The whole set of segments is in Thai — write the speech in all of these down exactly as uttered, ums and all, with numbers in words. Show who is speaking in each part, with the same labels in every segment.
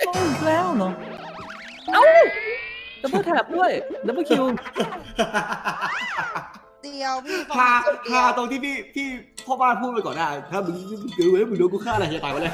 Speaker 1: ต้องอีกแล้วเนาะเอ้าดับเบิลแท็บด้วยดับเบิลคิว
Speaker 2: เดียวพี่
Speaker 3: พาพาตรงที่พี่พี่พ่อบ้านพูดไปก่อนได้ถ้ามึงมึงเกิดไว้มึงโดนกูฆ่าอะไรจะตายไปเลย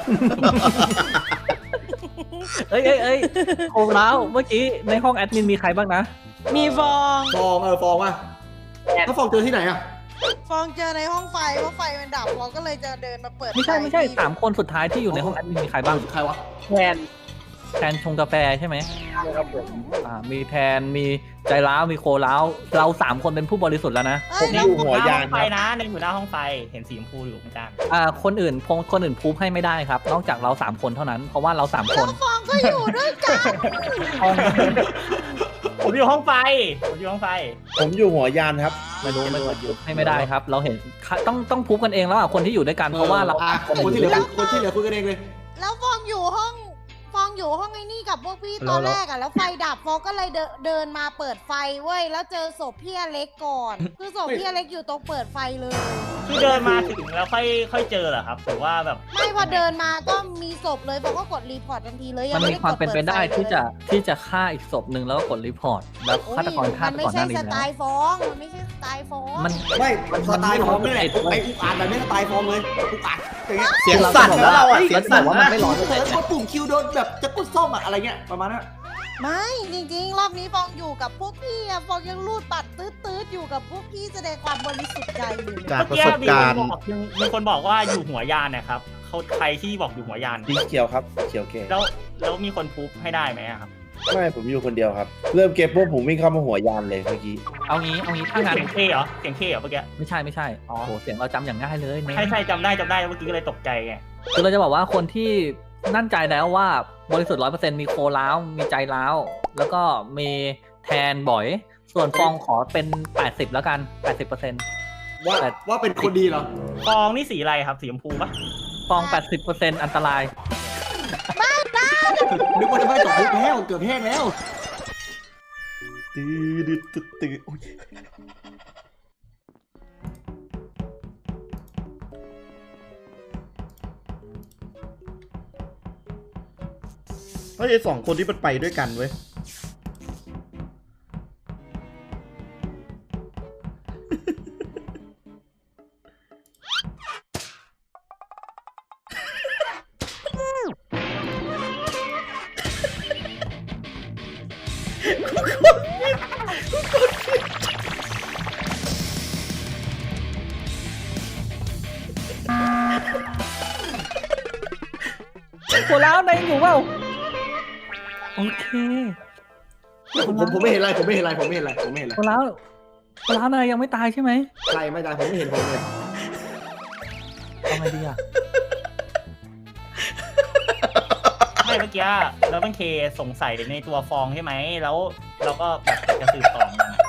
Speaker 1: เอ้ยเอ้ยเอ้ยโอ้แล้วเมื่อกี้ในห้องแอดมินมีใครบ้างนะ
Speaker 2: มีฟอง
Speaker 3: ฟองเออฟองว่ะถ้าฟองเจอที่ไหนอะ
Speaker 2: ฟองเจอในห้องไฟเพราะไฟมันดับฟองก็เลยจะเดินมาเปิด
Speaker 1: ไม่ใช่ไม่ใช่สามคนสุดท้ายที่อยู่ในห้องแอดมินมีใครบ้าง
Speaker 3: ใครวะ
Speaker 4: แทน
Speaker 1: แทนชงกาแฟใช่ไหม
Speaker 4: ครับผม
Speaker 1: อ่ามีแทนมีใจร้าวมีโคร้าวเราสามคนเป็นผู้บริสุทธิ์แล้วนะ
Speaker 2: เอ้
Speaker 4: ผ
Speaker 2: ย
Speaker 4: ม
Speaker 2: แล้
Speaker 4: อ
Speaker 2: ว
Speaker 4: ยู่หัวยาน
Speaker 5: ไฟ
Speaker 4: ครับ
Speaker 5: นะในหัวหน้าห้องไฟเห็นสีชมพูอยู่เหมือนกัน
Speaker 1: อ่าคนอื่นพงคนอื่นพูดให้ไม่ได้ครับ นอกจากเราสามคนเท่านั้นเพราะว่าเราสามคน
Speaker 2: ฟองก็อยู่ด้วยกัน
Speaker 5: ผมอยู่ห้องไฟผมอยู่ห้องไฟ
Speaker 4: ผมอยู่หัวยานครับ
Speaker 1: ไม่รู้ไม่รู้ให้ไม่ได้ครับ เราเห็นต้องต้องพูดกันเองแล้วอ่ะคนที่อยู่ด้วยกันเพราะว่าเรา
Speaker 3: อ่ะคนที่เหลือคนที่เหลือคุยกันเองเลย
Speaker 2: แล้วฟองอยู่ห้องฟองอยู่ห้องไอ้นี่กับพวกพี่ตอนแรกอ่ะแล้วไฟดับฟองก็เลยเดินเดินมาเปิดไฟเว้ยแล้วเจอศพพี่อเล็กก่อน คือศพพี่อเล็กอยู่ตรงเปิดไฟเลย
Speaker 5: คือเดินมาถึงแล้วค่อยค่อยเจอเหรอครับหรือว่าแบบ
Speaker 2: ไม่พอเดินมาก็มีศพเลยฟองก็กดรีพอร์ตทันทีเลยยั
Speaker 1: มัน
Speaker 2: งไม่
Speaker 1: มี
Speaker 2: ได้
Speaker 1: ความ
Speaker 2: กด
Speaker 1: เป็นไป
Speaker 2: ปิฟ
Speaker 1: ได้
Speaker 2: ลย
Speaker 1: ที่จะที่จะฆ่าอีกศพหนึ่งแล้วก็กดรีพอร์ตแล้ว
Speaker 2: โอ้ย
Speaker 1: ฆาตกรฆ่า
Speaker 2: มัน
Speaker 1: ไป
Speaker 2: ไม่
Speaker 1: ก่อนห
Speaker 2: ใช่
Speaker 1: น้านี้
Speaker 2: ส
Speaker 1: แล้ว
Speaker 2: ไตล์ฟองมันไม่ใช่สไตล์ฟอง
Speaker 1: มัน
Speaker 3: ไม่สไตล์ฟองนี่แหละไอ้อุกอาจแบบนี้สไตล์ฟองเลยอุกอาจอย่างเงี้ย
Speaker 4: เสียงสั่นแล้วเราอ่ะเสียงสั่น
Speaker 1: ว่ามันไม่ร้อน
Speaker 3: เผลอกดปุ่มคิวโดนแบบจะกดส้มอะอะไรเงี้ยประมาณนั้น
Speaker 2: ไม่จริงๆ รอบนี้ฟองอยู่กับพวกพี่อะฟองยังรูดบัตรตืดๆอยู่กับพวกพี่แสดงความบริสุทธิ์ใจอยู่เลย
Speaker 4: จาก
Speaker 5: เมื่อ
Speaker 4: ประ
Speaker 5: กี้
Speaker 4: สบ
Speaker 5: มี
Speaker 4: การ
Speaker 5: คน
Speaker 4: ณ์
Speaker 5: บอกมีคนบอกว่าอยู่หัวยานนะครับเขาใครที่บอกอยู่หัวยาน
Speaker 4: สีเขียวครับเขียวเกม
Speaker 5: แล้วแล้วมีคนพูฟให้ได้ไหมอะครับ
Speaker 4: ไม่ผมอยู่คนเดียวครับ เริ่มเกมพวกผมวิ่งเข้ามาหัวยานเลยเมื่อกี้
Speaker 1: เอางี้เอางี้ถ้างั้น
Speaker 5: เสียงเคเหรอเสียงเคเหรอเมื่อกี้
Speaker 1: ไม่ใช่ไม่ใช่
Speaker 5: อ๋อ
Speaker 1: โอ้โหเสียงเราจำอย่างง่ายเลยเนี่ย
Speaker 5: ใช่ใช่จำได้จำได้เมื่อกี้ก็เลยตกใจไง
Speaker 1: คือเราจะบอกว่าคนที่นั่นใจแล้วว่าบริสุทธิ์ร้อยเปอร์เซ็นต์มีโคล้าวมีใจล้าวแล้วก็มีแทนบ่อย ส่วนฟองขอเป็นแปดสิบแล้วกันแปดสิบเปอร์เซ็นต์
Speaker 3: ว่าว่าเป็นคนดีเหรอ
Speaker 5: ฟองนี่สีอะไรครับสีชมพูปะ
Speaker 1: ฟองแปดสิบเปอร์เซ็นต์อันตราย
Speaker 3: นึกว่าจะไม่จบปุ๊บแล้วเกือบแห้งแล้ว
Speaker 4: ตื้อดื้อตื้อตื้ออุ๊ยเฮ้ยไอ้สองคนที่มันไปด้วยกันเว้ย
Speaker 1: โคล้าวในอยู่เปล่าโอเค
Speaker 3: ผมผมผมไม่เห็นอะไรผมไม่เห็นอะไรผมไม่เห็นอะไรผมไม่เห็นอะไร
Speaker 1: โคล้าวโคล้าวนายยังไม่ตายใช่ไหม
Speaker 3: ใครไม่ได้ผมไม่เห็นผมเลย
Speaker 1: เอาไงดีอ่ะ
Speaker 5: ไม่เมื่อกี้เราต้องเคสงสัยในตัวฟองใช่ไหมแล้วเราก็แบบจะสืบต่อมันอะ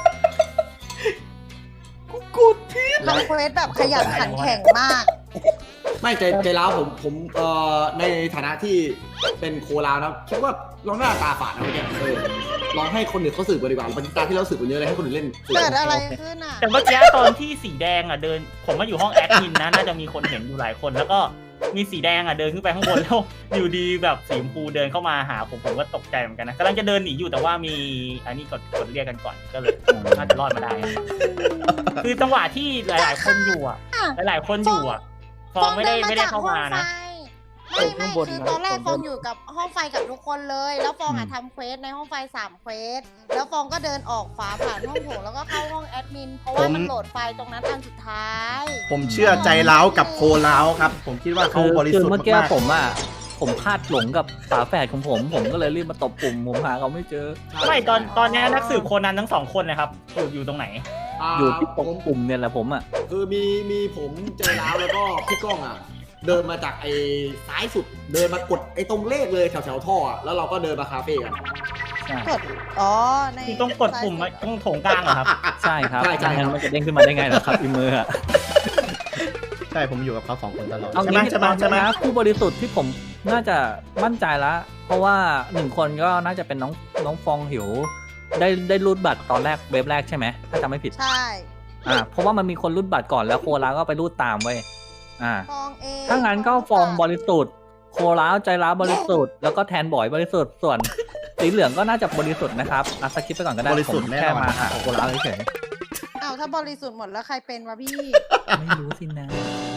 Speaker 2: ทำเควสแบบขยันขันแข็งมาก
Speaker 3: ไม่ใจใจร้าวผมผมเอ่อในฐานะที่เป็นโคลาวนะคิดว่าลองหน้าตาฝาดนะเมื่อกี้เออลองให้คนอื่นเขาสืบกันดีกว่าปฏิตาที่เราสืบกันเยอะเลยให้คนอื่นเล่นสืบ
Speaker 2: เกิดอะไรขึ้นอ่ะ
Speaker 5: แต่เมื่อกี้ตอนที่สีแดงอ่ะเดิน ผมมาอยู่ห้องแอดมินนะน่าจะมีคนเห็นอยู่หลายคน แล้วก็มีสีแดงอ่ะเดินขึ้นไปข้างบนแล้วอยู่ดีแบบสีชมพูเดินเข้ามาหาผมผมก็ตกใจเหมือนกันนะกำลังจะเดินหนีอยู่แต่ว่ามีอันนี้กดกดเรียกกันก่อนก็เลยน่าจะรอดมาได้ คือจังหวะที่หลาย ๆ คนอยู่อ่ะ หลาย ๆ คนอยู่อ่ะฟองไม่ได้ไม่ได้เข้ามานะ
Speaker 2: ไม่ไม่คือตอนแรกฟองอยู่กับห้องไฟกับทุกคนเลย แล้วฟองอะทำเควสในห้องไฟสามเควสแล้วฟองก็เดินออกฝาผ่านห้องโถงแล้วก็เข้าห้องแอดมินเพราะว่ามันโหลดไฟล์ตรงนั้นอันสุดท้าย
Speaker 4: ผมเชื่อใจร้าวกับโคร้าวครับ ผมคิดว่าเขา
Speaker 1: คือบ
Speaker 4: ริ
Speaker 1: คือ
Speaker 4: สุทธิ์
Speaker 1: เมื่อกี้
Speaker 4: มาก
Speaker 1: ผมอ่ะผมพลาดหลงกับฝาแฝดของผม ผมก็เลยรีบมาตบปุ่มผมหาเขาไม่เจอ
Speaker 5: ไม่ตอนตอนนี้นักสืบโคนันทั้งสองคนนะครับอยู่อยู่ตรงไหน
Speaker 1: อยู่ที่ตรงปุ่มเนี่ยแหละผมอ่ะ
Speaker 3: คือมีมีผมใจร้าวแล้วก็พี่ก้องอ่ะเดินมาจากไอ้ซ้ายสุดเดินมากดไอ้ตรงเลขเลยแถวแถวท่ออะแล้วเราก็เดินมาคาเฟ่กัน
Speaker 2: กดอ๋อใน
Speaker 5: คือต้องกดปุ่มอะต้องโถงกลางเหรอครับ
Speaker 1: ใช่ครับ
Speaker 3: ใช่ใช่
Speaker 1: งั้นมันจะเด้งขึ้นมาได้ไงล่ะครับอีเมอร์อ่ะ
Speaker 4: ใช่ผมอยู่กับเขาสองคนตลอด
Speaker 1: เอา
Speaker 4: ใช่ไหม
Speaker 1: งี้
Speaker 4: ใช่ไหมใช่ไหม
Speaker 1: นะผู้บริสุทธิ์ที่ผมน่าจะมั่นใจแล้ว เพราะว่าหนึ่งคนก็น่าจะเป็นน้องน้องฟองหิว ได้ได้รูดบัตรตอนแรกเว็บแรกใช่ไหมถ้าจำไม่ผิด
Speaker 2: ใช่
Speaker 1: อ่าเพราะว่ามันมีคนรูดบัตรก่อนแล้วโคลาก็ไปรูดตามไว้ยอ่า
Speaker 2: ฟองเอง
Speaker 1: ถ้างั้นก็ฟองบริสุทธิ์โคร้าวใจร้าวบริสุทธิ์แล้วก็แทนบ่อยบริสุทธิ์ส่วนสีเหลืองก็น่าจะบริสุทธิ์นะครับอ่ะสกิปไปก่อนก็ได้
Speaker 6: บริสุทธิ์
Speaker 1: ผม
Speaker 6: แน่นอน
Speaker 1: แค่มาหาโคร้าวเฉย
Speaker 2: อ้าวถ้าบริสุทธิ์หมดแล้วใครเป็นวะพี่
Speaker 1: ๆไม่รู้สินะ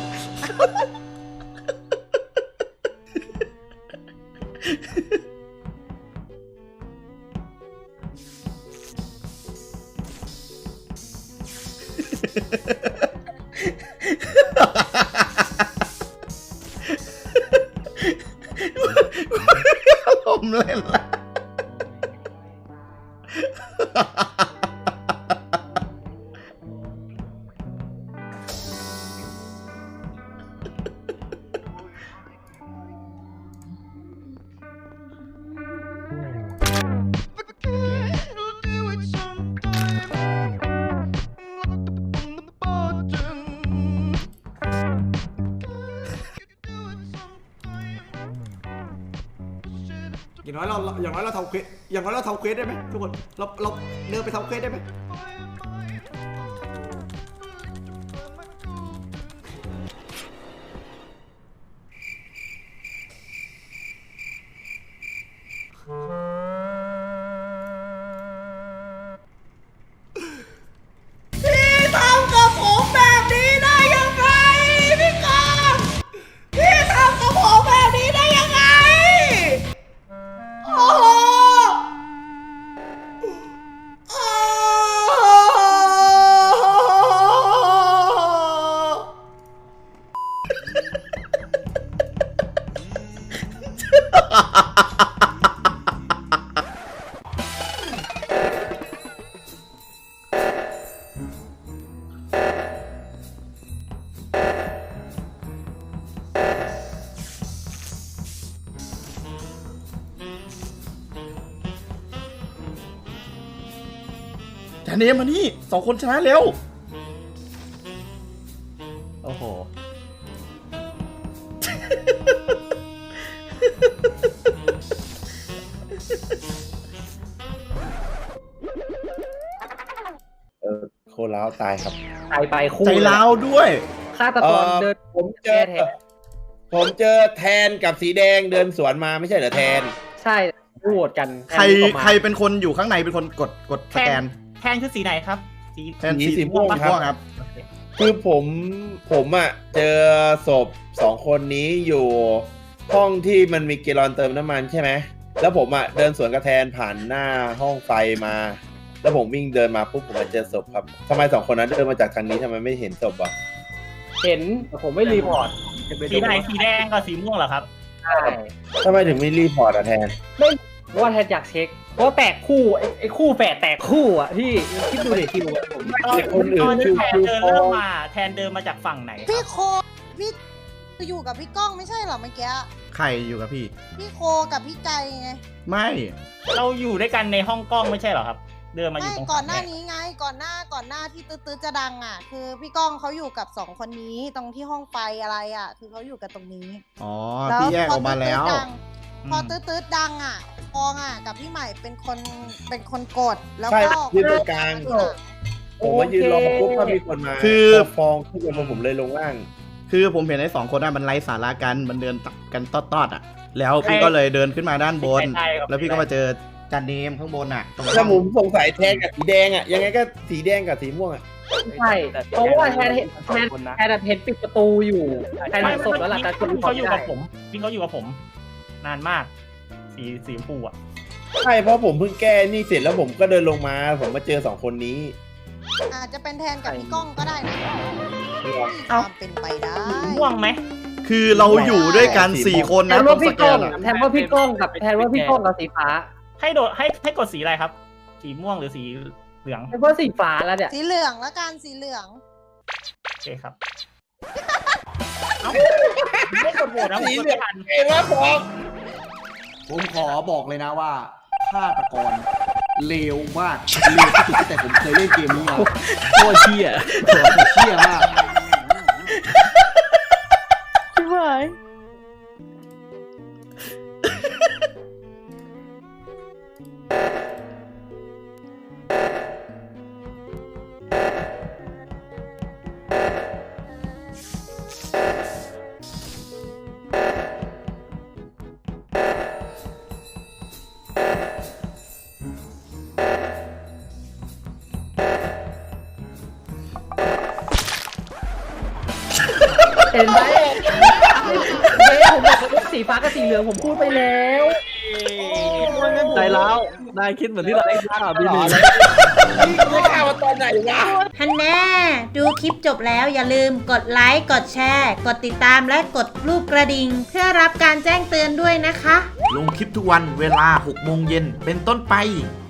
Speaker 6: ผมเล่นละ
Speaker 3: อย่างน้อยเราอย่างน้อยเราทำเควสอย่างน้อยเราทำเควสได้ไหมทุกคนเราเราเดินไปทำเควสได้ไหมพี่ทำกับผมแบบนี้ได้ยังไงพี่กองพี่ทำกับผมแบบนี้ได้ยังไงโอ้โหโอ้
Speaker 6: จานเนมมานี่สองคนชนะเร็ว โอ้โห
Speaker 4: เออโคร้าวตายครับ
Speaker 1: ตายไปคู่
Speaker 6: ใจร้าวด้วย
Speaker 1: ฆาตกรเดิน
Speaker 4: ผมเจอผมเจอแทนกับสีแดงเดินสวนมาไม่ใช่เหรอแทน
Speaker 1: ใช่โหวตกัน
Speaker 6: ใครใครเป็นคนอยู่ข้างในเป็นคนกดกดสแกน
Speaker 5: แทนคือสีไหนครับ สี
Speaker 6: แทน
Speaker 4: สี
Speaker 6: สี
Speaker 4: สีม่
Speaker 6: ม่
Speaker 4: ว
Speaker 6: ว
Speaker 4: ง
Speaker 6: ง
Speaker 4: ครับ
Speaker 6: ครับ
Speaker 4: คือผมผมอ่ะเจอศพสองคนนี้อยู่ห้องที่มันมีเกลอนเติมน้ำมันใช่ไหมแล้วผมอ่ะเดินสวนกระแทนผ่านหน้าห้องไฟมา แล้วผมวิ่งเดินมาปุ๊บผมมาเจอศพครับทำไมสองคนนั้นเดินมาจากทางนี้ทำไมไม่เห็นศพอ่ะ
Speaker 1: เห็นแต่ผมไม่รีพอร์ต
Speaker 5: สีไหนสีแดงกับสีม่วงเหรอครับ
Speaker 1: ใช่
Speaker 4: ทำไมถึงไม่รีพอร์ตอ่ะแทน
Speaker 1: เพราะว่าแทนอยากเช็ค เพราะแตกคู่ไอ้ไอ้คู่แฝดแตกคู่อ่ะพี่คิดดูดิคิดดูผม
Speaker 5: ตอน
Speaker 4: คนอื่น
Speaker 5: ตอนที่แทน
Speaker 4: คือ
Speaker 5: เดิน
Speaker 4: คือ
Speaker 5: เริ่มมา แทนเดินมาจากฝั่งไหนค
Speaker 2: พี่
Speaker 5: รับ
Speaker 2: โคพี่อยู่กับพี่ก้องไม่ใช่เหรอเมื่อกี้
Speaker 6: ใครอยู่กับพี่
Speaker 2: พี่โคกับพี่ใจไง
Speaker 6: ไม่
Speaker 5: เราอยู่ด้วยกันในห้องกล้องไม่ใช่เหรอครับ เดินมาอ
Speaker 2: ไม่
Speaker 5: ยู่ตรง
Speaker 2: ก่อนหน้า
Speaker 5: ฝั่ง
Speaker 2: นี้ไงก่อนหน้าก่อนหน้าที่ตื้อๆจะดังอ่ะ คือพี่ก้องเขาอยู่กับสองคนนี้ตรงที่ห้องไฟอะไรอ่ะ คือเขาอยู่กับตรงนี้
Speaker 6: อ๋อ พี่แยกออกมาแล้ว
Speaker 2: พอตื้อๆดังพอตื้อๆดังอ่ะฟองอ่ะกับพี่ใหม่เป็นคนเป็นคนกดแล้ว
Speaker 4: ใช่
Speaker 2: ก็
Speaker 4: ยืนตรงกลาง ผมมายืนรอปุ๊บก็มีคนมา
Speaker 6: คือ
Speaker 4: พฟองขึ้นมาผมเลยลงล่าง
Speaker 6: คือผมเห็นไอ้สองคนนั้นมันไล่สาระกันมันเดินตัดกันตอดๆอ่ะ แล้วพี่ก็เลยเดินขึ้นมาด้านบน
Speaker 5: ใช่ครับ
Speaker 6: แล้วพี่ก็มาเจอจานเนมข้างบนอ่ะตรง
Speaker 4: ถ้าผมสงสัยแทนกับสีแดงอ่ะยังไงก็สีแดงกับสีม่วงอ่ะ
Speaker 1: ใช่เพราะว่าแทนเห็นแทนแทนเห็นปิดประตูอยู่แทน
Speaker 5: ไม่
Speaker 1: เห็นศพแล้วล่ะแต่คน
Speaker 5: พี่
Speaker 1: เขา
Speaker 5: เขาอยู่
Speaker 1: ไม่
Speaker 5: กับ
Speaker 1: ได้
Speaker 5: ผมพี่เขาอยู่กับผม นานมาก สีสีชมพูอ่ะ
Speaker 4: ใช่เพราะผมเพิ่งแก้นี่เสร็จแล้วผมก็เดินลงมา ผมมาเจอสองคนนี้
Speaker 2: อาจจะเป็นแทนกับพี่ก้องก็ได้นะมีความเป็นไปได้
Speaker 5: ม่วงไหม
Speaker 6: คือเราอยู่ด้วยกันสี่คน
Speaker 1: แท
Speaker 6: นะ
Speaker 1: น
Speaker 6: ตร
Speaker 1: ว่าง
Speaker 6: ส
Speaker 1: พี่
Speaker 6: แก
Speaker 1: ก้อง
Speaker 6: นอ่ะ
Speaker 1: แทนว่าพี่ก้องกับแทนว่าพี่ก้องกับสีฟ้า
Speaker 5: ให้โดดให้ให้กดสีอะไรครับ สีม่วงหรือสีเหลือง
Speaker 1: แทนว่าสีฟ้าแล้วเนี่ย
Speaker 2: สีเหลืองแล้วกันสีเหลือง
Speaker 5: โอเคครับเอ้าไม่กดโหวตนะผมกดไม่ทัน
Speaker 4: เอ้ยว่าผม
Speaker 3: ผมขอบอกเลยนะว่าฆาตกรเลวมากเลวที่สุดตั้งแต่ผมเคยเล่นเกมนี้มา
Speaker 1: โคตรเชี่ย
Speaker 3: เชี่ยมาก
Speaker 1: ใช่ไหม
Speaker 7: เห็นไหมเฮ้ยผมบอกว่าสีฟ้ากับสีเหลืองผมพูดไปแล้ว
Speaker 1: ใจร้าวนายคิดเหมือนที่เราได้ข่าวพี่หมี
Speaker 4: นี่ไม่ข่าวว่าตอนไหนวะ
Speaker 2: ฮันแน่ดูคลิปจบแล้วอย่าลืมกดไลค์ กดแชร์ กดติดตามและกดรูปกระดิ่งเพื่อรับการแจ้งเตือนด้วยนะคะ
Speaker 6: ลงคลิปทุกวันเวลาหกโมงเย็นเป็นต้นไป